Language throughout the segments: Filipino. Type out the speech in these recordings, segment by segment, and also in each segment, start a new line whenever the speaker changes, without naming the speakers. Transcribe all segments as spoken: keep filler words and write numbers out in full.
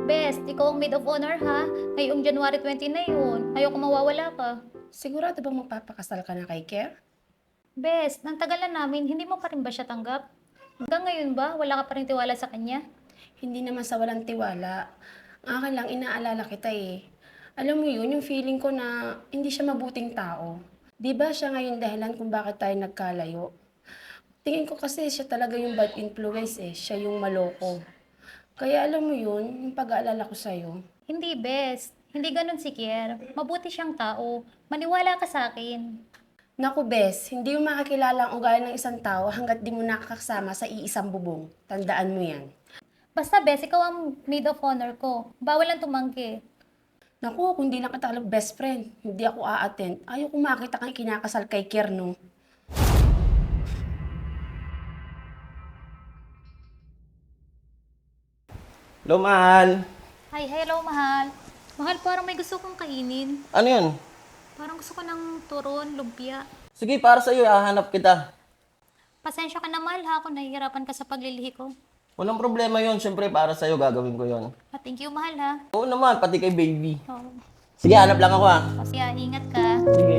Best, ikaw ang maid of honor ha. Ngayong January twenty na yun. Ayoko mawawala ka.
Sigurado bang magpapakasal ka na kay Care?
Best, nang tagal na namin, hindi mo pa rin ba siya tanggap? Hanggang ngayon ba, wala ka pa rin tiwala sa kanya?
Hindi naman sa walang tiwala. Ang akin lang, inaalala kita eh. Alam mo yun, yung feeling ko na hindi siya mabuting tao. Di ba siya ngayon dahilan kung bakit tayo nagkalayo? Tingin ko kasi siya talaga yung bad influence eh. Siya yung maloko. Kaya alam mo yun, yung pag-aalala ko sa'yo.
Hindi, Best. Hindi ganun si Kier. Mabuti siyang tao. Maniwala ka sa akin.
Naku, Bes, hindi mo makakilala ang ugali ng isang tao hanggat di mo nakakasama sa iisang bubong. Tandaan mo yan.
Basta, Best, ikaw ang maid of honor ko. Bawal lang tumangki.
Naku, kung di lang kita alam best friend, hindi ako a-attend. Ayaw ko makita kang kinakasal kay Kier, no?
Hello, mahal.
Hi, hello, mahal. Mahal, parang may gusto kong kainin.
Ano yun?
Parang gusto ko ng turon, lumpia.
Sige, para sa'yo, hahanap kita.
Pasensya ka na, mahal, ha, kung nahihirapan ka sa paglilihi ko.
Walang problema yun. Siyempre, para sa'yo, gagawin ko yun.
Ah, thank you, mahal, ha.
Oo naman, pati kay baby.
Oh.
Sige, hanap lang ako, ha.
Kasi ah, ingat ka.
Sige.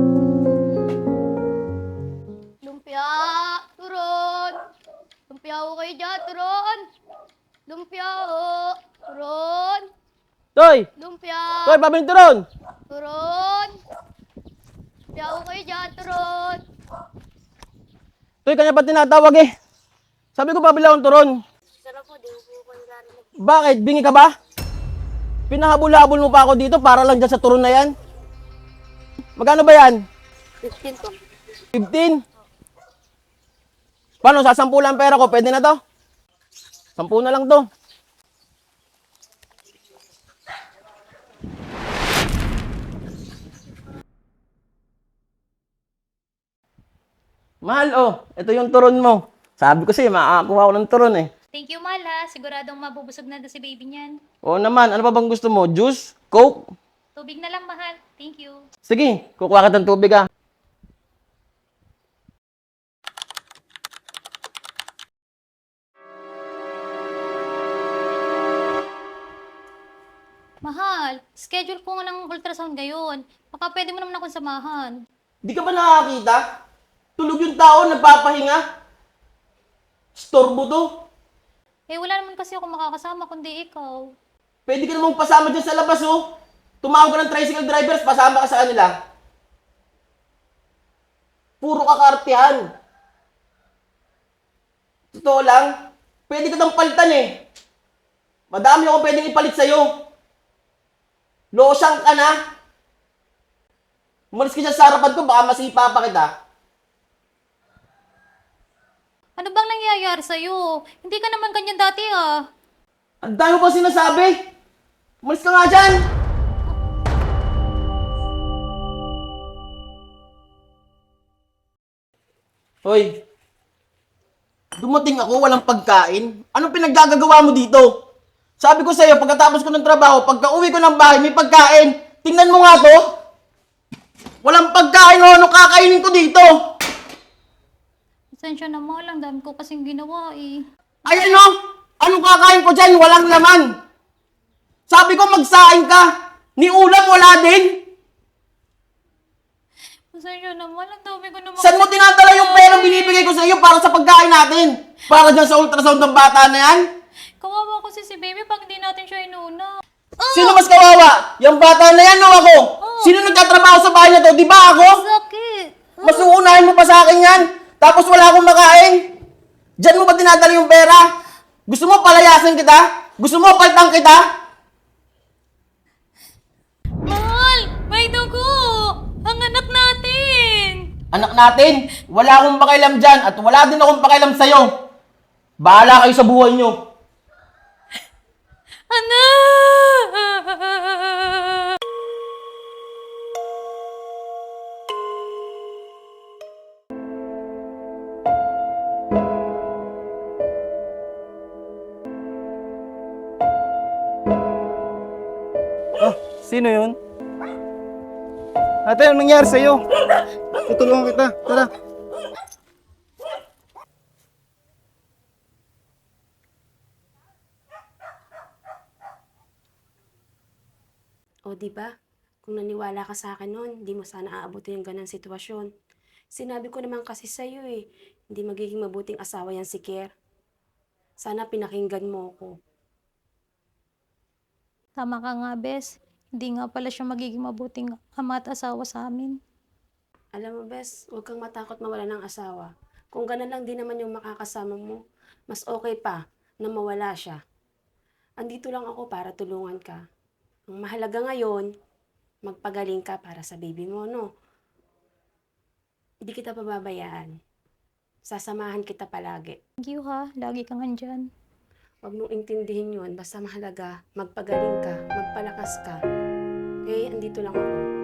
Lumpia! Turon! Lumpia ho kayo dyan, turon! Lumpia ho! Turon!
Toy!
Lumpia!
Toy, pabinturon!
Turon! Lumpia ho kayo dyan, turon!
Toy, kanya pa tinatawag eh. Sabi ko, pabila akong turon.
Sarap po, di ko po narinig.
Bakit? Bingi ka ba? Pinahabol-habol mo pa ako dito para lang dyan sa turon na yan? Magkano ba yan?
fifteen po.
fifteen? Paano, sasampu lang pera ko? Pwede na to? Sampu na lang to. Mahal, oh. Ito yung turon mo. Sabi ko sa'yo, makakakuha ko ng turon eh.
Thank you, mahal, ha. Siguradong mabubusog na doon si baby niyan.
Oo naman, ano pa bang gusto mo? Juice? Coke?
Tubig na lang, mahal. Thank you.
Sige, kukuha ka ng tubig ah.
Mahal, schedule ko nga ng ultrasound ngayon. Baka pwede mo naman akong samahan.
Di ka ba nakakita? Tulog yung tao, nagpapahinga. Storbo to.
Eh, wala naman kasi ako makakasama kundi ikaw.
Pwede ka namang pasama dyan sa labas oh. Tumawag ka ng tricycle drivers, pasama ka sa kanila. Puro kakartihan. Totoo lang, pwede ka nang palitan eh. Madami akong pwedeng ipalit sa'yo. Losyang ka na. Umalis ka dyan sa harapan ko, baka masipa pa kita.
Ano bang nangyayari sa'yo? Hindi ka naman ganyan dati, ah.
Ang dami mo pa sinasabi. Umalis ka nga dyan. Hoy, dumating ako, walang pagkain. Anong pinaggagawa mo dito? Sabi ko sa'yo, pagkatapos ko ng trabaho, pagka uwi ko ng bahay, may pagkain. Tingnan mo nga to. Walang pagkain, oh, ano kakainin ko dito?
Pasensya na, mahal. Ang dami ko kasing ginawa, eh.
Ay ano? Anong kakain ko dyan? Walang laman. Sabi ko magsaing ka. Ni ulam wala din.
Pasensya na, mahal. Ang dami ko naman.
Saan mo tinatala yung perang binibigay ko sa iyo para sa pagkain natin? Para dyan sa ultrasound ng bata na yan?
Kawawa kasi si baby pag hindi natin siya inuna.
Sino mas kawawa? Yung bata na yan o ako? Sino nagtatrabaho sa bahay na to? Di ba ako?
Sakit.
Mas uunahin mo pa sa akin yan? Tapos wala akong makain? Diyan mo ba tinatala yung pera? Gusto mo palayasin kita? Gusto mo paltang kita?
Mahal! May dugo! Ang anak natin!
Anak natin, wala akong pakialam dyan at wala din akong pakialam sa'yo. Bahala kayo sa buhay nyo.
Anak!
Ah, sino yun? Ate, anong nangyari sa'yo? Tutulungan kita. Tara.
O di ba? Kung naniwala ka sa akin noon, di mo sana aabutin yung ganang sitwasyon. Sinabi ko naman kasi sa'yo eh, hindi magiging mabuting asawa yan si Kier. Sana pinakinggan mo ko.
Tama ka nga, Bes. Hindi nga pala siya magiging mabuting ama at asawa sa amin.
Alam mo, Bes, huwag kang matakot mawala ng asawa. Kung ganun lang din naman yung makakasama mo, mas okay pa na mawala siya. Andito lang ako para tulungan ka. Ang mahalaga ngayon, magpagaling ka para sa baby mo, no? Hindi kita pababayaan. Sasamahan kita palagi.
Thank you ha, lagi kang andyan.
Huwag mong intindihin yun. Basta mahalaga, magpagaling ka, magpalakas ka. Okay, andito lang ako.